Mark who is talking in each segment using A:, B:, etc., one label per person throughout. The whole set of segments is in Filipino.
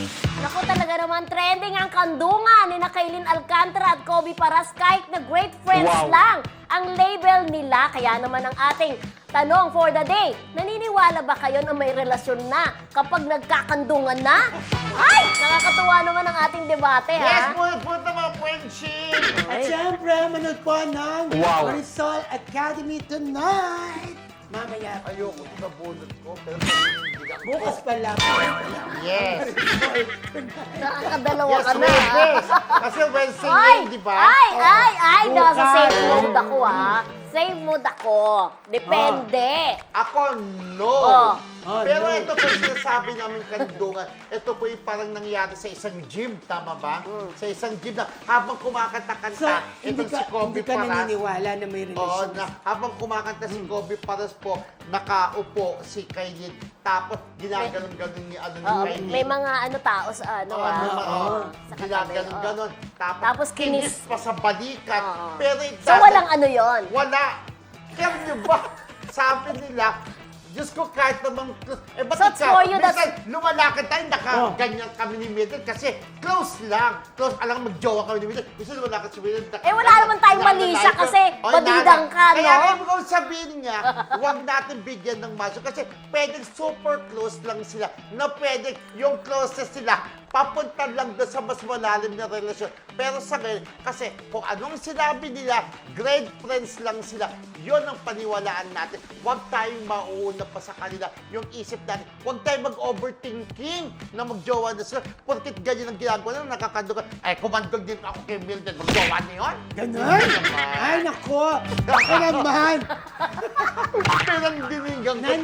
A: Naku, talaga naman trending ang kandungan ni Kailin Alcantara at Kobe Paras kahit na great friends lang ang label nila. Kaya naman ang ating tanong for the day, naniniwala ba kayo na may relasyon na kapag nagkakandungan na? Ay! Nakakatuwa naman ang ating debate, ha?
B: Yes, punta mga friendship!
C: At syempre, manood po ng Marisol Academy tonight. Mamaya.
B: Ayoko ito nabunod ko, pero hindi ako.
C: Bukas pala.
B: Yes!
A: Nakakadalawa
B: Yes,
A: ka na, ha?
B: Webes! Kasi Wednesday
A: Ay!
B: ngayon, di ba?
A: Ay! Nasa
C: Bukas.
A: safe mode ako, ha? Safe mode ako. Depende.
B: Ako, no! Pero
C: no.
B: ito po yung sinasabi namin kandungan. Ito po yung parang nangyari sa isang gym, tama ba? Sa isang gym na habang
C: So,
B: kumakanta-kanta,
C: hindi
B: itong
C: ka,
B: si Kobe
C: hindi ka
B: Paras.
C: naniniwala na may
B: Oo,
C: relasyon.
B: na habang kumakanta si Kobe Paras po, nakaupo si Kailin. Tapos ginaganon-ganon ni ano ni
A: Oo,
B: Kailin.
A: may mga tao sa
B: Oo,
A: sa katabi.
B: ginaganon-ganon.
A: Tapos kinis
B: pa sa balikat.
A: Oo.
B: Pero
A: So, walang ano yon.
B: Wala. Kaya nyo ba, sabi nila, Diyos ko, kahit namang close. Eh, ba't
A: So, it's
B: ikaw?
A: for you,
B: Minsan,
A: that's-
B: lumalakad tayo, nakaganyan kami ni Mildred kasi close lang. Close, alam magjowa kami ni Mildred. Minsan lumalakad si Mildred.
A: Eh, wala naman tayong mali siya kasi badidang ka, no?
B: Kaya ibig kong sabihin niya, huwag natin bigyan ng masyo kasi pwedeng super close lang sila na pwedeng yung closest sila papunta lang doon sa mas malalim na relasyon. Pero sa ngayon, kasi kung anong sinabi nila, great friends lang sila, yon ang paniwalaan natin. Huwag tayong mauuna pa sa kanila yung isip natin. Huwag tayong mag-overthinking na magjowa na sila. Porkit ganyan ang ginagawa na nakakadugan. Ay, kumandog din ako kay Mildred. Magjowa na yun?
C: Ganon? Ay, nako. Ako naman.
B: Pinagdinigang ko.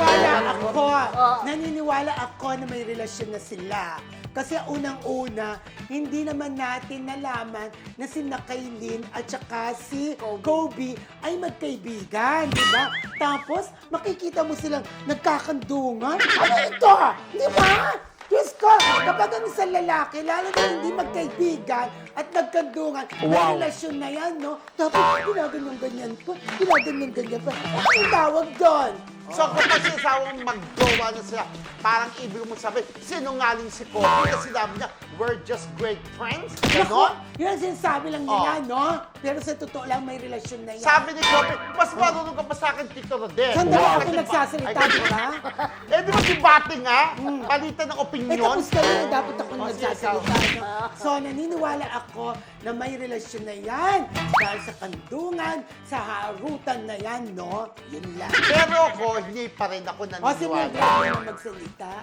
C: Naniniwala ako na may relasyon na sila. Kasi unang-una, hindi naman natin nalaman na si Kailin at saka si Kobe ay magkaibigan, di ba? Tapos, makikita mo silang nagkakandungan. Ano ito? Di ba? Diyos ko, kapag ang isang lalaki, lalo na hindi magkaibigan at nagkandungan, may relasyon na yan, no? Tapos, ginaganyan-ganyan pa, ginaganyan-ganyan pa. Ang tawag doon?
B: So kung sasawang magjowa na sila, parang ibig mo sabihin, sinungaling si Kobe na sinabi niya, we're just great friends? Ganon?
C: Yun ang sinasabi lang nila, no? Pero sa totoo lang, may relasyon na yan.
B: Sabi ni Kobe, mas marunong ka pa sa akin, Tito Rodel.
C: Sandali ako
B: Kasi
C: nagsasalita,
B: Ay,
C: di ba?
B: Eh, di ba si Bati nga? Palitan ng
C: Eh,
B: opinion.
C: tapos ka na, dapat ako
B: Oh,
C: nagsasalita. No? So, naniniwala ako na may relasyon na yan. Dahil sa kandungan, sa harutan na yan, no? Yun lang.
B: Pero ako, hindi pa rin ako
C: O, si Mildred
B: naniniwala.
C: na magsalita.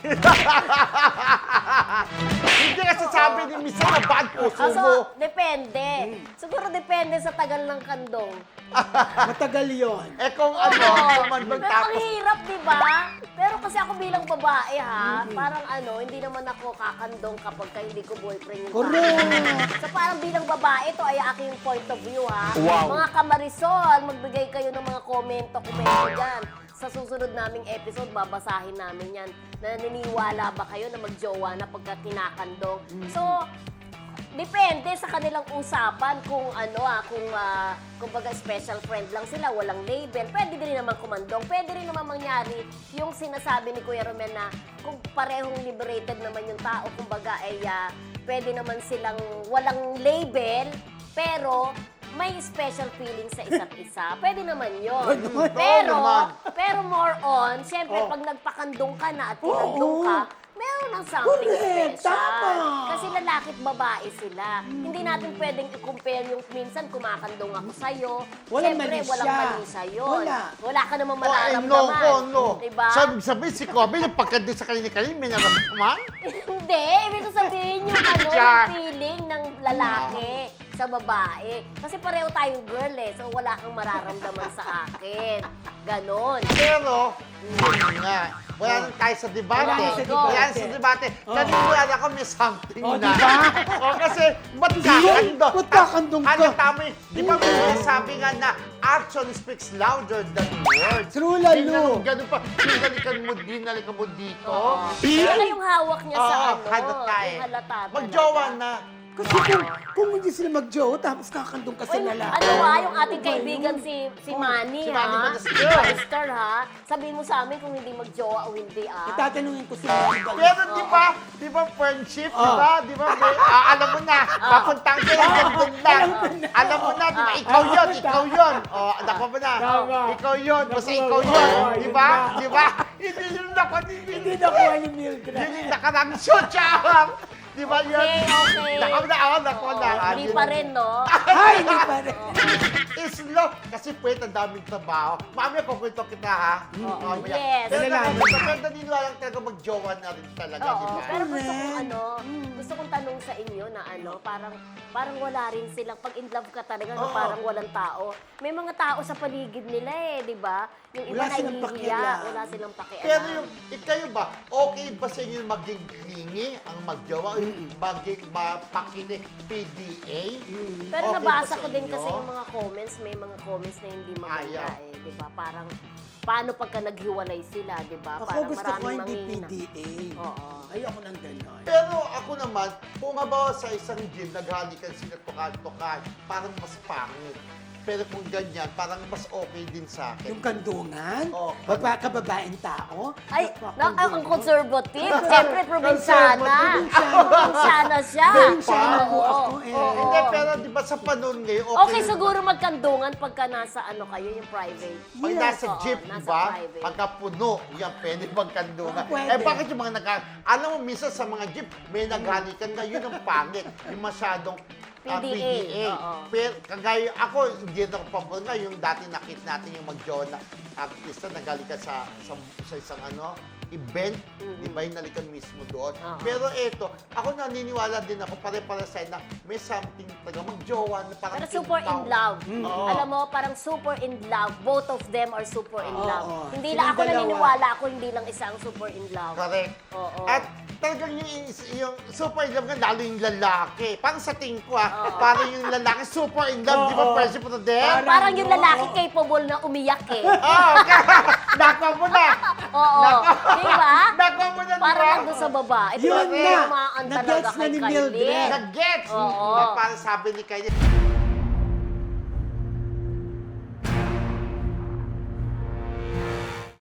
B: Hindi kasi sabi ni Misa na bad puso mo.
A: So, depende. Siguro depende sa tagal ng kandong.
C: Matagal yon.
B: Eh kung ano, kumandog
A: Pero ang
B: tapos
A: hirap, di ba? Pero kasi ako bilang babae, ha? Parang hindi naman ako kakandong kapag hindi ko boyfriend yung
C: Correct.
A: So parang bilang babae, ito ay aking point of view, ha? Mga kamarisol, magbigay kayo ng mga komento dyan. Sa susunod naming episode, babasahin namin yan. Naniniwala ba kayo na magjowa na pagka kinakandong? So, depende sa kanilang usapan kung kung baga special friend lang sila, walang label. Pwede din naman kumandong. Pwede rin naman mangyari yung sinasabi ni Kuya Romel na kung parehong liberated naman yung tao, kumbaga ay pwede naman silang walang label, pero may special feeling sa isa't isa. Pwede naman yun. Pero more on, syempre pag nagpakandong ka na at kinandong ka, meron ng something
C: Correct,
A: special.
C: tama.
A: Kasi lalaki at babae sila. Hindi natin pwedeng i-compare yung minsan kumakandong ako sa'yo.
C: Walang
A: Siyempre,
C: mali
A: walang
C: siya.
A: mali sa'yon.
C: Wala.
A: Wala ka namang
B: Oh, eh,
A: mararamdaman.
B: no.
A: Diba?
B: Sabi si Kobe, yung pagkandi sa kanina-kanina, may naramdaman?
A: Hindi. Ibig ko sabihin yung yung feeling ng lalaki sa babae. Kasi pareho tayong girl so wala kang mararamdaman sa akin. Ganon.
B: Pero, yun nga. Wala nang tayo sa debate.
C: Wala na sa
A: debate.
B: Wala na sa debate. Naniniwala ko may something
C: Oh,
B: na.
C: diba?
B: Kasi, ba't kakandong?
C: Ba't kakandong ka?
B: Ano tama yun? Di ba may sinasabi nga na action speaks louder than words?
C: True, lalo.
B: Ganun pa. Dinalikan mo dito.
A: Saka yung hawak niya sa
B: Oo, halata eh.
A: yung halata talaga.
B: Magjowa na.
C: Kasi kung hindi sila mag-jowa, tapos kakandong ka sa
A: Uy,
C: lalaki.
A: ano ha, yung ating kaibigan si Manny,
B: Si
A: ha?
B: Manny Ballester.
A: Ballester, ha? Sabihin mo sa amin kung hindi mag-jowa o hindi, ah.
C: Itatanungin ko si Manny
B: Pero
C: Ballester.
B: di ba friendship,
C: Oh.
B: di ba, alam mo na, papuntang ka lang, ganun lang. Alam mo na, di ba, ikaw yun. O, anak mo na,
C: Tama.
B: ikaw yun, basta ikaw
C: Oo,
B: yun,
C: oo,
B: di
C: yun
B: ba?
C: na.
B: Di ba? Hindi yun
C: Hindi nakuha ni Mildred.
B: Yun yung nakarangso, tsaka. Di ba yun?
A: Okay.
B: Nako na.
A: Hindi pa rin, no?
C: Ay, hindi pa rin.
B: Slow. Kasi pwede ang daming trabaho. Mamaya kukwento kita, ha? Mamaya.
A: Yes.
B: Pero
C: Nalalaman
B: pero naniniwala talaga mag-jowa na rin talaga, di
A: Oo,
B: ba?
A: pero gusto kong
C: Correct.
A: gusto kong tanong sa inyo na parang wala rin silang, pag in love ka talaga, na
B: Oo.
A: parang walang tao. May mga tao sa paligid nila di ba? Yung iba
C: Wala silang
A: nahihiya,
C: pakialam.
A: wala silang pakialam.
B: Pero kayo ba, okay ba sa inyo maging clingy ang magjowa? Maging mapakinig PDA?
A: Pero
B: Okay
A: nabasa
B: ba sa
A: ko din
B: inyo?
A: kasi yung mga comments, may mga comments na hindi maganda
B: Ayaw.
A: di ba? Parang, paano pagka naghiwalay sila, di ba?
C: Ako
A: Parang
C: gusto ko
A: maraming
C: hindi
A: manghihina.
C: PDA.
A: Oo.
C: Ayoko ng gano'n.
B: Pero ako naman, kung habawa sa isang gym, naghalikan sila tukan-tukan, parang mas pangit. Pero kung ganyan, parang mas okay din sa akin.
C: Yung kandungan,
B: Oo.
C: kababaeng tao.
A: Ay, ang
C: napakandungan.
A: conservative. Siyempre, probinsyana.
C: Probinsyana.
A: Probinsyana siya.
C: Probinsyana po
A: Oo,
C: ako eh.
A: oo.
B: Hindi, pero di ba sa panahon ngayon,
A: Okay,
B: rin
A: siguro magkandungan pagka nasa kayo, yung private.
B: pag
C: Yes.
B: nasa
A: Oo,
B: jeep,
A: nasa
B: di ba?
A: private.
B: Pagka puno, yan, pwede magkandungan.
C: Pwede.
B: Eh, bakit yung mga alam mo, minsan sa mga jeep, may naghalikan na, yun ang pangit. Yung masyadong
A: PDA, oo.
B: Pero kagaya ako, hindi ako pabor nga, yung dati nakit natin yung mag-jowa na artista, naghalikan sa isang event, di ba, yung nalikan mismo doon.
A: Oo.
B: Pero eto, ako naniniwala din ako, pare-pare sa na may something talaga mag-jowa na parang
A: Pero super in love.
B: Oo.
A: Alam mo, parang super in love. Both of them are super in
C: Oo.
A: love. Hindi
C: Silang
A: lang ako
C: dalawa.
A: naniniwala ako, hindi lang isa ang super in love.
B: Correct.
A: Oo.
B: At talagang yung super in love nga, lalo yung lalaki. Parang sa tingin ko parang yung lalaki super in love, di ba,
C: Oo.
B: Percy Prodel?
A: Parang yung lalaki capable na umiyak
B: Oo, nakwa mo na.
A: Oo. Di ba?
B: Nakwa mo na, di
A: Parang
B: ba?
A: nandun sa babae.
C: Yun
A: Talagang
C: na.
A: tumaan talaga
C: Nag-gets na
A: kay
C: ni
A: Kylie.
C: Mildred.
B: Nag-gets.
A: Oo.
B: Parang sabi ni Kylie,